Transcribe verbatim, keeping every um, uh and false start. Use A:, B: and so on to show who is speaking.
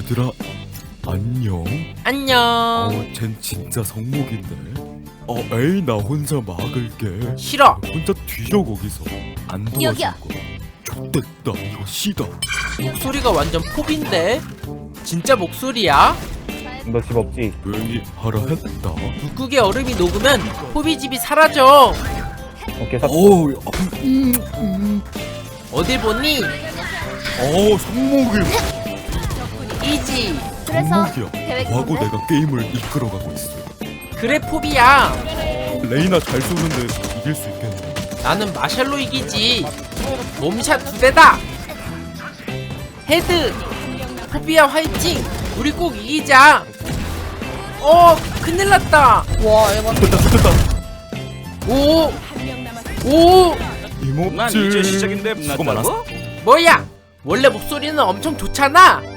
A: 얘들아 안녕.
B: 안녕.
A: 어, 쟨 진짜 성목인데. 어, 에이 나 혼자 막을게.
B: 싫어.
A: 혼자 뒤져 거기서. 안 도와줄
C: 여기요.
A: 거야. 좆됐다 이거 씨다.
B: 목소리가 완전 포비인데? 진짜 목소리야?
D: 너 집 없지?
A: 조용히 하라 했다.
B: 북극의 얼음이 녹으면 포비 집이 사라져.
D: 오케이 사.
A: 어우,
B: 어딜 보니?
A: 어 성목이.
B: 이지.
C: 그래서
A: 성목이야.
C: 계획이
A: 과거
C: 뭔데?
A: 내가 게임을 이끌어가고 있어.
B: 그래 포비야.
A: 레이나 잘 쏘는데 이길 수 있겠네.
B: 나는 마샬로 이기지. 몸샷 두 대다. 헤드. 포비야 화이팅. 우리 꼭 이기자. 어 큰일 났다.
C: 와 이건
A: 됐다 됐다.
B: 오. 오.
A: 이모질.
E: 난 이제 시작인데
A: 수고 많았어.
E: 끝났다고?
B: 뭐야? 원래 목소리는 엄청 좋잖아.